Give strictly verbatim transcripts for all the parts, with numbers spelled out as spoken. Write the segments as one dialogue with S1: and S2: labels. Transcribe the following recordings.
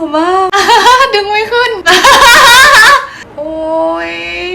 S1: อมากดึงไม่ขึ้นโอ้ย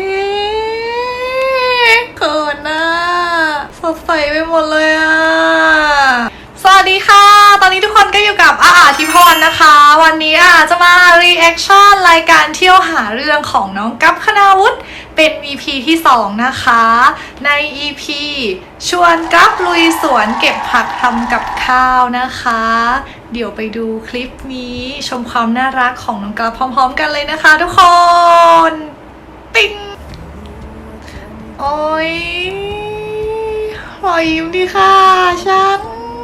S1: เขินน่ะสดใสไปหมดเลยอ่ะสวัสดีค่ะตอนนี้ทุกคนก็อยู่กับอาอาทิพรนะคะวันนี้อาจะมา reaction รายการเที่ยวหาเรื่องของน้องกั๊บคณาวุฒิเป็น อี พี ที่สองนะคะใน อี พี ชวนกั๊บลุยสวนเก็บผักทำกับข้าวนะคะเดี๋ยวไปดูคลิปนี้ชมความน่ารักของน้องกั๊บพร้อมๆกันเลยนะคะทุกคนปิ๊งโอ้ยรอยยิ้มดีค่ะฉัน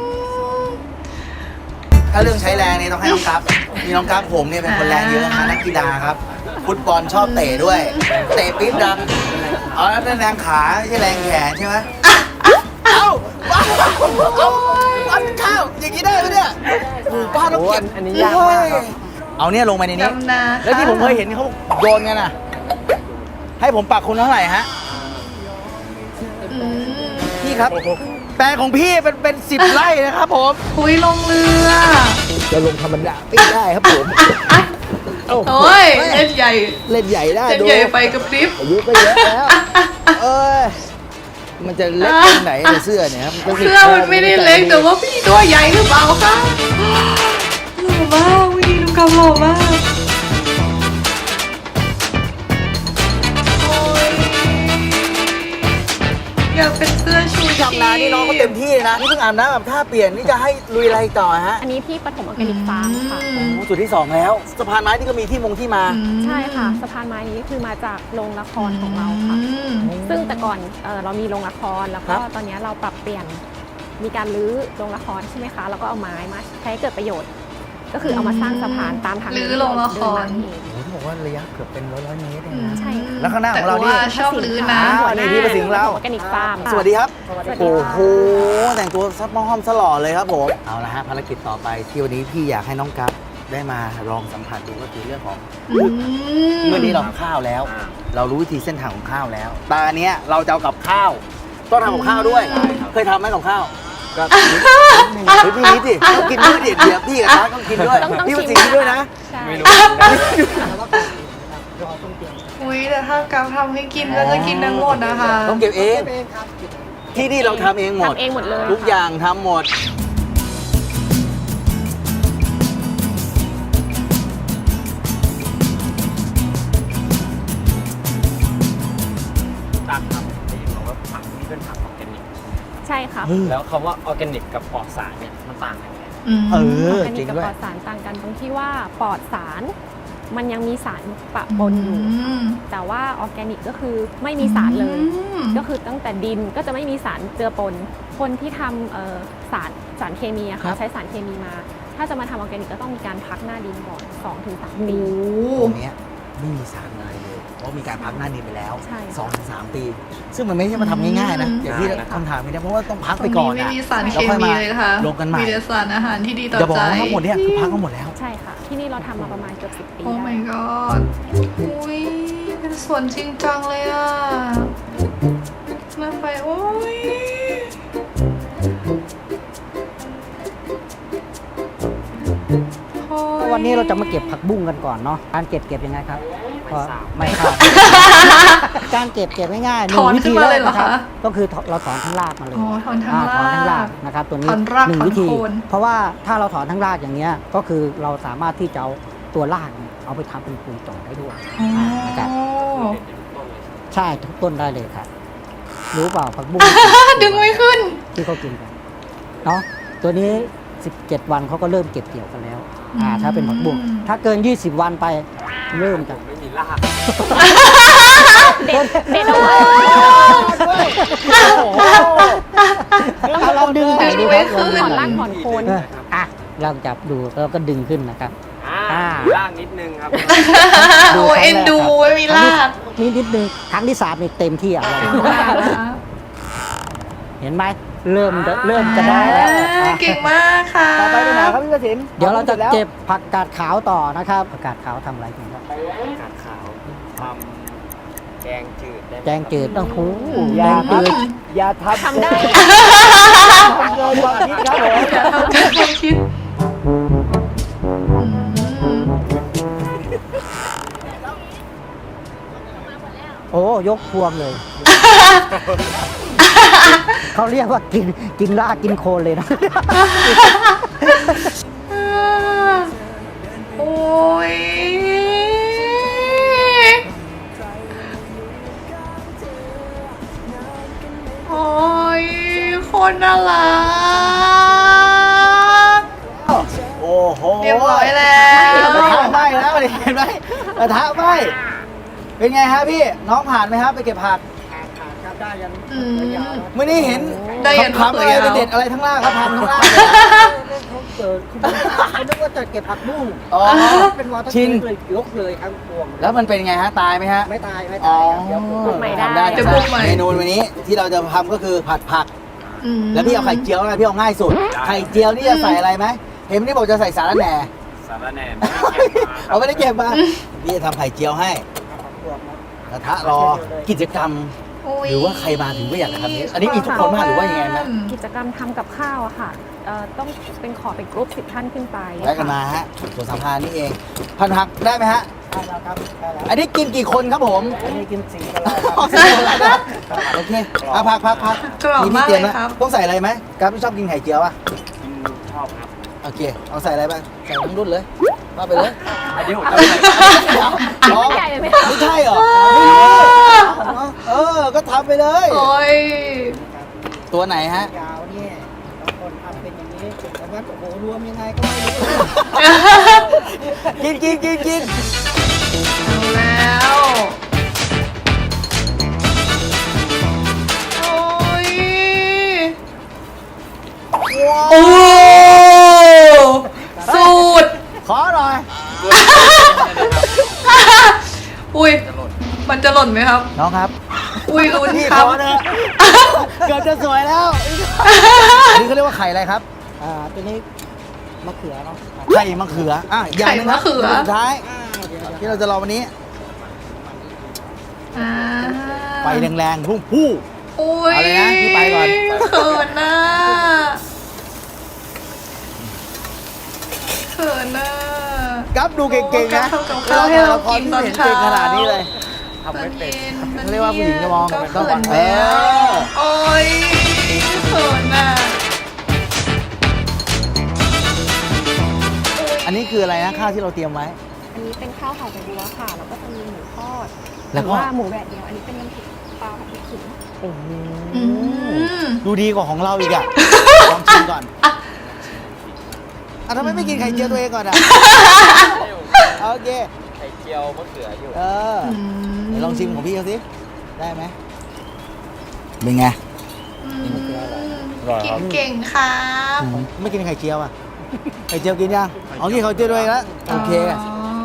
S2: ถ้าเรื่องใช้แรงนี่ต้องให้น้องกั๊บมีน้องกั๊บผมเนี่ยเป็นคนแรงเยอะนะนักกีฬาครับฟุตบอลชอบเตะด้วยเตะปี๊บดังเอาแล้วแรงขาไม่ใช่แรงแขนใช่ไหมเอ้าป้าเอาปั้นข้าวอย่างนี้ได้ไหมเนี่ยป้าต้องเก็บอันนี้ยากมากครับเอาเนี่ยลงไปในนี้แล้วที่ผมเคยเห็นเขาโยนกันน่ะให้ผมปักคุณเท่าไหร่ฮะพี่ครับแปลงของพี่เป็นเป็นสิบไร่นะครับผม
S1: คุยลงเรือ
S2: จะลงธรรมดาไม่ได้ครับผม
S1: โอ้ยเล่นใหญ่
S2: เล่นใหญ่ได้
S1: เล่นใหญ่ไปกับคลิป
S2: อายุก็เยอะแล้วเอ้ยมันจะเล็กตรงไหนในเสื้อเนี่ยครับ
S1: เสื้อมันไม่ได้เล็กแต่ว่าพี่ตัวใหญ่หรือเปล่าคะหล่อมากวิธีดูกำหล่อมากอยากเป็นเสื้อชูชีพ
S2: ทำนานี่น้องก็เต็มที่นะนี่เพิ่งอาบน้ำแบบท่าเปลี่ยนนี่จะให้ลุยอะไรต่อฮะ
S3: อันนี้ที่ปฐมออร์แกนิกฟาร์มค่ะ
S2: จุดที่สองแล้วสะพานไม้ที่ก็มีที่มงที่มา
S3: ใช่ค่ะสะพานไม้นี้คือมาจากโรงละครของเราค่ะซึ่งแต่ก่อนเเรามีโรงละครแล้วก็ตอนนี้เราปรับเปลี่ยนมีการรื้อโรงละครใช่ไหมคะแล้วก็เอาไม้มาใช้เกิดประโยชน์ก็คือเอามาสร้างสะพานตามทาง
S1: รื้อโรงละคร
S2: โอ้โหบอกว่าระยะเกือบเป็นร้อยร้อยเมตรเลยนะ
S3: ใช่
S2: แล้วข้างหน้าของเรานี่
S1: ชอบรื้อนะ
S2: นี่ที่ประสิงห์เรา
S3: ออร์แกนิกฟาร์ม
S2: สวัสดีครับโอ้โหแต่งตัวซับมอห้อมสลอเลยครับผมเอาละฮะภารกิจต่อไปที่วันนี้พี่อยากให้น้องกั๊บได้มาลองสัมผัสดูก็คือเรื่องของเมื่อนี้เราข้าวแล้วเรารู้วิธีเส้นทางของข้าวแล้วตาเนี้ยเราจะเอากับข้าวต้องทำกับข้าวด้วยเคยทำไหมกับข้าวก็เฮ้ยพี่นิดดิต้องกินด้วยดิเดี๋ยวพี่กับน้าต้องกินด้วยพี่ประสิงห์ด้วยนะไม่รู้
S1: อุ้ยแต่ถ้ากั๊บทำให้กินก็จะกินทั้งหมดนะคะ
S2: ต้องเก็บเองที่นี่เราทำเองหมด
S3: ทำเองหมดเลย
S2: ทุกอย่างทำหมด
S4: ตักครับได้ยินบอกว่าผักนี่เป็นผักออร์แกนิก
S3: ใช่ค่ะ
S4: แล้วคำว่าออร์แกนิกกับปลอดสารเนี่ยมันต่างกันไง
S2: เออ
S3: จริงด้วยออร์แกนิกกับปลอดสารต่างกันตรงที่ว่าปลอดสารมันยังมีสารปะปนอยู่แต่ว่าออร์แกนิกก็คือไม่มีสารเลยก็คือตั้งแต่ดินก็จะไม่มีสารเจือปนคนที่ทำสารสารเคมีอะค่ะใช้สารเคมีมาถ้าจะมาทำออร์แกนิกก็ต้องมีการพักหน้าดินก่อน สองถึงสาม ปี
S2: ตรงนี้ไม่มีสารอะไรเลยเพราะมีการพักหน้าดินไปแล้ว สองถึงสาม ปีซึ่งมันไม่ใช่มาทำง่ายๆนะอย่างที่คำถามไม่ได้เพราะว่าต้องพักไปก่อน
S1: ไม่มีสารเคมีเลยค่ะ
S2: ลงกันใหม่
S1: มีแต่สารอาหารที่ดีต่อใจ
S2: จะบอกว่าทั้งหมดเนี่ยคือพักทั้งหมดแล้ว
S3: ใช่ค่ะที่นี่เราทำมาประมาณเกือบสิบปี
S1: โอ้ my god อุ้ยเป็นสวนจริงจังเลยอ่ะมาไปโอ้ย
S5: วันนี้เราจะมาเก็บผักบุ้งกันก่อนเนาะการเก็บเก็บยังไงครับก็ไม่ขาดการเก็บเก็บง่ายๆหนึ่งวิธีเลยนะครับก็คือเราถอนทั้งรากมาเลย
S1: ถอนทั้งราก
S5: ถอนทั้งรากนะครับตัวนี้หนึ่งวิธีเพราะว่าถ้าเราถอนทั้งรากอย่างเงี้ยก็คือเราสามารถที่จะเอาตัวรากเอาไปทำเป็นปุ๋ยต่อได้ด้วยนะครับใช่ทุกต้นได้เลยครับรู้เปล่าผักบุ้ง
S1: ดึงไม่ขึ้น
S5: ที่เขากินกันเนาะตัวนี้สิบเจ็ดวันเขาก็เริ่มเก็บเกี่ยวกันแล้วอ่าถ้าเป็นผักบุ้งถ้าเกินยี่สิบวันไปเริ่มจะ
S4: ไม่มีราก
S3: เด็ดเด็ดเอาไว้
S5: เราลองดึงไปดูครับ
S3: ถอนรากถอนโคน
S5: อ่ะเราจับดูแล้วก็ดึงขึ้นนะครับ
S4: อ่ารากนิดนึงครับ
S1: โอ้เอ็นดูไม่มีราก
S5: นิดนิดนึงครั้งที่สามนี่เต็มที่อ่ะเห็นไหมเริ่มเริ่มจะได้แล้ว
S1: เก่งมากค่ะ
S2: ต่อไปเป็นไหนครับพี่ประสิทธิ์
S5: เดี๋ยวเราจะเก็บผักกาดขาวต่อนะครับผักกาดขาวทำอะไรกันครับ
S4: ผักกาดขาวทำแกงจืด
S5: แกงจืดต้องหู
S2: แกงจืดอย่าทำ
S3: ทำได้
S2: เกินความคิดครับผม
S1: อย่าทำเกินความคิด
S5: ยกพวงเลย เขาเรียกว่ากินกินรากกินโคนเลยนะ
S1: โอ้ยโอ้ยคนน่ารัก
S2: โอ้โห
S1: เรียบร้อยแล้ว
S2: กระทะไหม้แล้วเห็นไหมกระทะไหม้เป็นไงฮะพี่น้องผ่านไหมครับไปเก็บผัก
S5: ครับได้ยัน
S1: อืม
S2: เมื่อนี้เห็น
S1: ได้ยัน
S2: คำๆอะไร
S1: มะเขือยาว
S2: เด็ดๆอะไรทั้งล่างครับพันทั้งล่าง
S5: เขาเกิดขึ้นมาเขานึกว่าจะเก็บผักบุ้ง
S2: อ๋อ
S5: เป็นวอเตอร์
S2: ชิน
S5: เลยยกเลยทั้งพวง
S2: แล้วมันเป็นไงฮะตายไหมฮะ
S5: ไม่ตายไม่
S2: อ๋
S5: ตา
S2: อย
S5: ครับเดี๋ยวปลูก
S3: ใหม่
S2: ทำได้
S1: จะปลูกใหม่
S2: เมนูวันนี้ที่เราจะทำก็คือผัดผัก
S1: อืม
S2: แล้วพี่เอาไข่เจียวนะพี่เอาง่ายสุด ไข่เจียวนี่จะใส่อะไรไหมเห็นนี่บอกจะใส่สาระแหน่
S4: สารแหน่
S2: เอาไม่ได้เก็บมาพี่จะทำไข่เจียวให้กระทะรอกิจกรรม
S1: ย
S2: หรือว่าใครมาถึงก็อยากจะทำนี้อันนี้มีทุกคนมากหรือว่ายังไงไหม
S3: กิจกรรมทำกับข้าวอะค่ะเอ่อต้องเป็นขอเป็นกรุ๊ปสิบท่านขึ้นไป
S2: แวะกันมาฮะสวนสัมพันธ์นี่เองพันผักได้ไหมฮะ
S5: ได้แล้วครับได้แล้ว
S2: อันนี้กินกี่คนครับผม
S5: อันนี้กินสีกันแล้ว
S2: อ๋อใส่อะไรนะโอเคเอาผักผักผัก
S1: กรอบมาก
S2: เตรียม
S1: เลย
S2: นะครับ ต้องใส่อะไรไหมกับพี่ชอบกินไข่เจียวป่ะ
S4: กินชอบครับ
S2: โอเคเอาใส่อะไรบ้างใส่ทั้งรุ่นเลยว่าไปเลย
S4: อันนี้ผมจะใส่
S2: อ๋อ
S3: ใหญ่เลยไหม
S2: ไม่ใช่เหรอไม่รู้เออก็ทำไปเลย
S1: โอ้ย
S2: ตัวไหนฮะ
S5: ยาวเนี่ยบางคนทำเป็นอย่างนี้แต่ว่าโอ้โหรวมยังไงก็ไม่รู้
S2: กินกินกินกิน
S1: เอาแล้วโอ้ย
S2: ว้าว
S1: โอ้สูตร
S2: ขอหน่อย
S1: อุ้ยมันจะหล่นไหมครับ
S2: น้องครับ
S1: อุ้ยลุ้น
S2: พี่
S1: ค
S2: ข
S1: รับ
S2: อเถอะเกือบจะสวยแล้วอันนี้เขาเรียกว่าไข่อะไรครับ
S5: อ่าตัวนี้มะเขือเนาะ
S2: ไข่มะเขืออ่ะอย่างหนึงครับ
S1: ไข่มะเขือ
S2: สุดท้าย
S5: อ่าเดี๋ยว
S2: ที่เราจะรอวันนี้
S1: อ่า
S2: ไฟแรงๆพุ่งพู่
S1: อุ้ย
S2: เอาเลยนะพี่ไปก่อน
S1: เขินน่ะเขินน่ะ
S2: กับดูเก่งๆนะ
S1: โอ้กับข้าวให้เรากินตอนเช้า
S2: เห็นเก่งขนาดนี้เลย
S4: ทำไม่เป็น
S2: เขาเรียกว่าผู้หญิงจะมอง
S1: ก็
S2: ต้อง
S1: เขิน
S2: เอ
S1: แล้ว
S2: อ
S1: โอ้ยเขินน่ะ
S2: อันนี้คืออะไรนะข้าวที่เราเตรียมไว้
S3: อันนี้เป็นข้าวห่อใบบัวค่ะ แล้วก็จะมีหมูทอด
S2: แล้ว
S3: ห
S2: ก็
S3: รือว่าหมูแดดเดียว อันนี้เป็นน้ำพริกปลาผัดพริกขิง
S2: โอ้โห
S1: อืม
S2: ดูดีกว่าของเราอีกอ่ะ ลองชิมก่อนอ่ะทำไมไม่กินไข่เจียวตัวเองก่อนอ่ะ โอเค
S4: ไข่เจียวมะเขืออยู่
S2: เออเดี๋ยวลองชิมของพี่เขาสิ ได้ไหมเป็นไง
S1: อืม
S4: อร่อยครับ
S1: กินเก่งครับ
S2: ไม่กินไข่เจียวอ่ะ ไข่เจียวกินยังอ๋อกินไข่เจียวด้วยแล้ว โอเค
S1: อ๋อ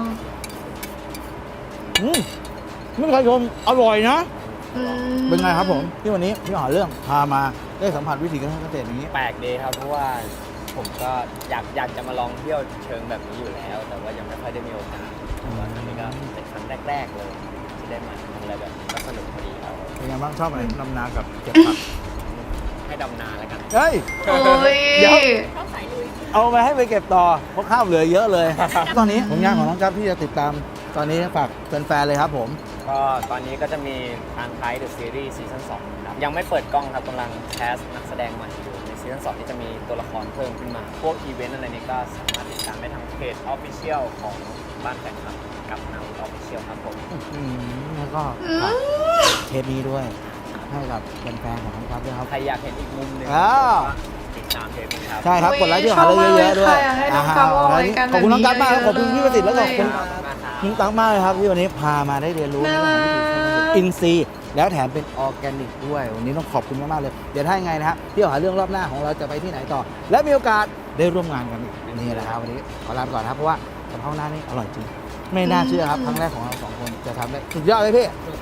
S2: อืมไม่เคยชมอร่อยนะ
S1: อืม
S2: เป็นไงครับผม ที่วันนี้พี่หาเรื่องพามาได้สัมผัสวิถีการเกษตรอย่างนี้
S4: แปลกดีครับเพราะว่าผมก็อยากอยากจะมาลองเที่ยวเชิงแบบนี้อยู่แล้ว แต่ว่ายังไม่ค่อยได้มีโอกาสแต่ว่าครั้งนี้ก็เป็นครั้งแรก ๆ เลย ที่ได้มาทำอะไรแบบนี้ก็สนุกพอดีครับ
S2: เป็นไงบ้างชอบอะไรดำนากับเก็บผัก
S4: ให้ดำนาแล้วกัน
S2: เฮ้ย
S1: โอ้ย
S2: เดี๋ยว เอาไปให้ไปเก็บต่อ เพราะข้าวเหลือเยอะเลย ตอนนี้ผลงานของน้องกั๊บที่จะติดตาม ตอนนี้ฝากแฟนๆเลยครับผม
S4: ก็ตอนนี้ก็จะมีทางไทยเดอะซีรีส์ซีซั่นสองครับยังไม่เปิดกล้องครับกำลังแคสนักแสดงใหม่อยู่ในซีซั่นสองที่จะมีตัวละครเพิ่มขึ้นมา พวกอีเวนต์อะไรนี้ก็สามารถติดตามได้ทางเพจออฟฟิเชียลของบ้านแฟนคลับกับนาวออฟฟิเชียลครับผม
S2: อืมแล้วก็ฝากเทปนี้ด้วย ให้กับแฟนๆของน้องกั๊บด้วยครับ
S4: ใครอยากเห็นอีกมุมหนึ่ง
S2: อ้าว
S4: ติดตามเทปนี้ครับ
S2: ใช่ครับ กดไลค์ที่หาเรื่องเยอะๆด้วย
S1: ชอบมากเลยค่ะอยากให้น้องกั๊บออกรายการ
S2: ขอบคุณน้องกั๊บมากครับ
S1: แบบนี้
S2: ขอบคุณพี่ประสิทธิ์แล้วก็ขอบคุณ
S1: เยอะ
S2: น้องตั๊กมากเลยครับที่วันนี้พามาได้เรียนรู้
S1: น่า
S2: เรื่อง
S1: รั
S2: ของ
S1: ก
S2: วิถีชีวิตอินทรีย์แล้วแถมเป็นออร์แกนิกด้วย วันนี้ต้องขอบคุณมากๆเลย เดี๋ยวถ้ายังไงนะฮะที่หาเรื่องรอบหน้าของเราจะไปที่ไหนต่อ และมีโอกาสได้ร่วมงานกันอีกนี่แหละครับวันนี้ขอลาไปก่อนนะครับเพราะว่ากะเพราหน้านี่อร่อยจริง ไม่น่าเชื่อครับครั้งแรกของเราสองคนจะทำได้สุดยอดเลยพี่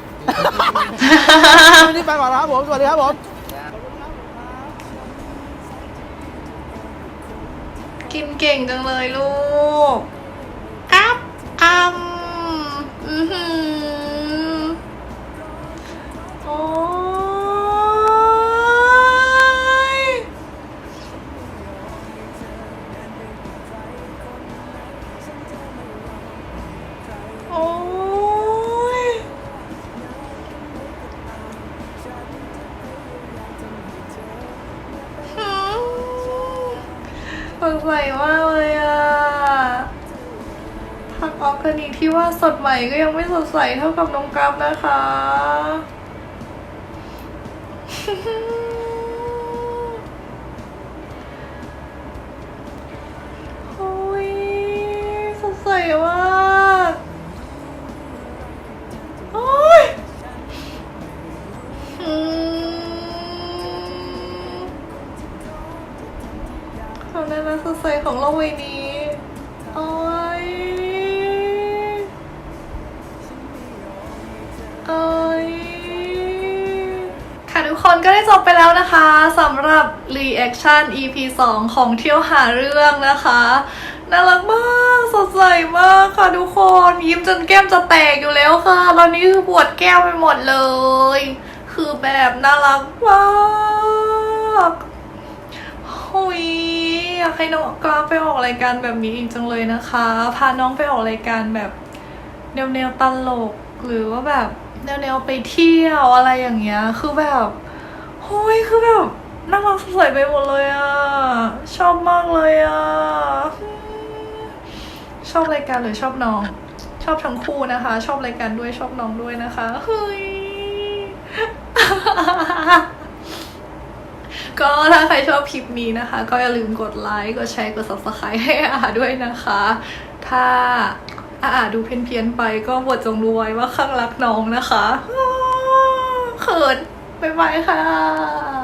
S2: วันนี้ไปก่อนแล้วครับผมสวัสดีครับผม
S1: กินเก่งจังเลยลูกกับอำอือหือโอ้ยโอ้ยใสมากเลยอะผักออร์แกนิกที่ว่าสดใหม่ก็ยังไม่สดใสเท่ากับน้องกราฟนะคะโอ้ยสดใสมากโอ้ยอืมความน่ารักสดใสของโลกใบนี้โอ้ยโอ้ยค่ะทุกคนก็ได้จบไปแล้วนะคะสำหรับ Reaction อี พี สองของเที่ยวหาเรื่องนะคะน่ารักมากสดใสมากค่ะทุกคนยิ้มจนแก้มจะแตกอยู่แล้วค่ะตอนนี้คือปวดแก้มไปหมดเลยคือแบบน่ารักมากหุยอยากให้น้องกราฟไปออกรายการแบบนี้อีกจังเลยนะคะพาน้องไปออกรายการแบบแนวแนวตลกหรือว่าแบบแนวแนวไปเที่ยวอะไรอย่างเงี้ยคือแบบโอ้ยคือแบบน่ารักสดใสไปหมดเลยอ่ะชอบมากเลยอ่ะชอบรายการหรือชอบน้องชอบทั้งคู่นะคะชอบรายการด้วยชอบน้องด้วยนะคะเฮ้ย ก็ถ้าใครชอบคลิปนี้นะคะก็อย่าลืมกดไลค์กดแชร์กด ซับสไครบ์ ให้อาด้วยนะคะถ้าอาดูเพี้ยนๆไปก็บทจงรู้ไว้ว่าข้างรักน้องนะคะเขินบ๊ายบายค่ะ